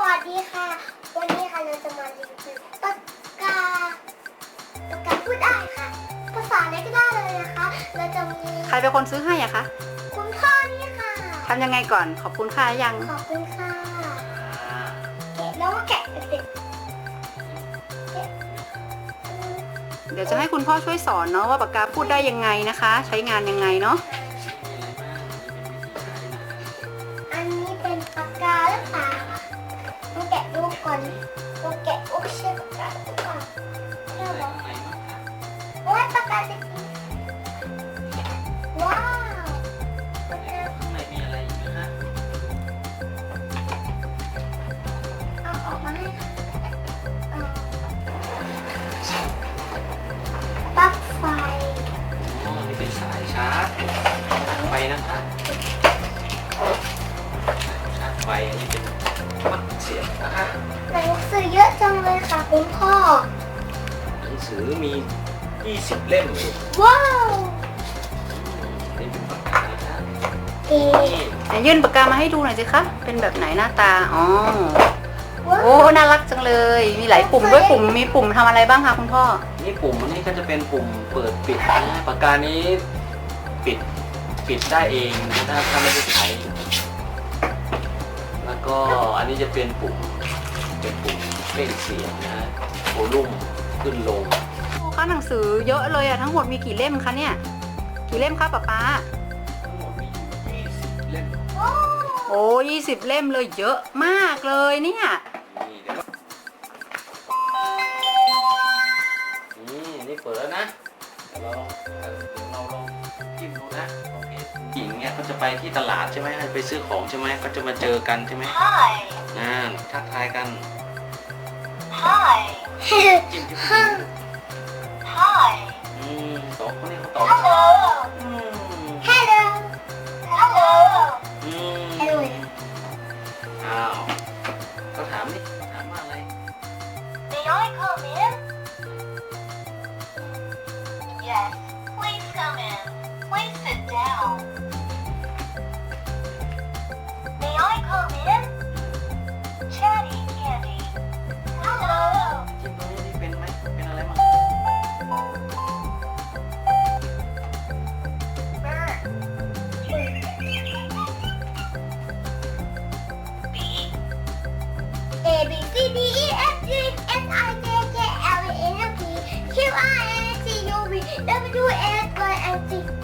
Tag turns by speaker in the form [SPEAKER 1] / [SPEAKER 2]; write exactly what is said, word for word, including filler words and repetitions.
[SPEAKER 1] วัสดีค่ะวันนี้ค่ะเราจะมารีวิวปากกาปากกาพูดได้ค่ะภาษาอะไรก็ได้เลยนะคะเราจะมี
[SPEAKER 2] ใครเป็นคนซื้อให้อะคะ
[SPEAKER 1] คุณพ่อนี่ค่ะ
[SPEAKER 2] ทำยังไงก่อนขอบคุณค่ะยัง
[SPEAKER 1] ขอบคุณค่ะแกะแล้วก็แกะเด็ก
[SPEAKER 2] เดี๋ยวจะให้คุณพ่อช่วยสอนเนาะว่าปากกาพูดได้ยังไงนะคะ ใช้งานยังไงเนาะ
[SPEAKER 1] อันนี้เป็นปากกาหรือเปล่าต้องแกะดูก่อนต้องแกะโอ้ใช่ปากกาหรือเปล่าใช่หรอว้าวปากกาเด็กว้าวปากกา
[SPEAKER 3] ข้างในมีอะไรอีกนะฮะ
[SPEAKER 1] เอาออกมาให้เอาปลั๊กไฟ
[SPEAKER 3] อ๋อนี่เป็นสายชาร์จไฟนะคะชาร์จไฟอันนี้เป็นมัดเสียบนะคะ
[SPEAKER 1] หนังสือเยอะจังเลยค่ะคุณพ่อ
[SPEAKER 3] หนังสือมียี่สิบเล่มเลย
[SPEAKER 1] ว้าว
[SPEAKER 3] นี่เป็นปากกานะ
[SPEAKER 1] เก๋
[SPEAKER 3] นี่
[SPEAKER 2] ไหนยื่นปากกามาให้ดูหน่อยสิคะเป็นแบบไหนหน้าตาอ๋อ
[SPEAKER 1] ว้าว
[SPEAKER 2] โอ้น่ารักจังเลย มีหลายปุ่มด้วยปุ่มมีปุ่มทำอะไรบ้างคะคุณพ่อ
[SPEAKER 3] นี่ปุ่มอันนี้ก็จะเป็นปุ่มเปิดปิดนะปากกานี้ปิดปิดได้เองนะถ้าถ้าไม่ได้ใช้แล้วก็อันนี้จะเป็นปุ่มเป็นปุ่มเล่นเสียงนะโวลุ่มขึ้นลง
[SPEAKER 2] โอ้คะหนังสือเยอะเลยอะทั้งหมดมีกี่เล่มคะเนี่ยกี่เล่มคะป๊าป๊า
[SPEAKER 3] ทั้งหมดมีอยู่ยี่สิบเล่ม
[SPEAKER 1] โอ้
[SPEAKER 2] โอ้ยี่สิบเล่มเลยเยอะมากเลยเนี่ย
[SPEAKER 3] นี่เดี๋ยวนี่นี่เปิดแล้วนะเดี๋ยวเราเดี๋ยวเราลองจิ้มดูนะโอเคหญิงเนี่ยเขาจะไปที่ตลาดใช่ไหมไปซื้อของใช่ไหมก็จะมาเจอกันใช่ไหม
[SPEAKER 1] ฮาย
[SPEAKER 3] อ่าทักทายกัน
[SPEAKER 1] ฮายฮัล
[SPEAKER 3] จิ้มจิ้ม
[SPEAKER 1] โห
[SPEAKER 3] จิ้ม
[SPEAKER 1] ฮาย
[SPEAKER 3] อืมสองคนนี้เขาตอบ
[SPEAKER 1] ฮัลโหล
[SPEAKER 3] อืม
[SPEAKER 1] ฮัลโหลฮัลโหล
[SPEAKER 3] อืม
[SPEAKER 1] ฮัลโหล
[SPEAKER 3] อ้าวเขาถามนี่ถามว่าอะไร
[SPEAKER 1] May I come in? Yes, please come in. Please sit down. May I come in? Chatty Candy. Hello.
[SPEAKER 3] จิ้มตรงนี้นี่เป็นไหมเป็นอะไรมั้ง
[SPEAKER 1] Bird. B. A B C D E F G H I J K L M N O P Q R S T U V W X Y and Z.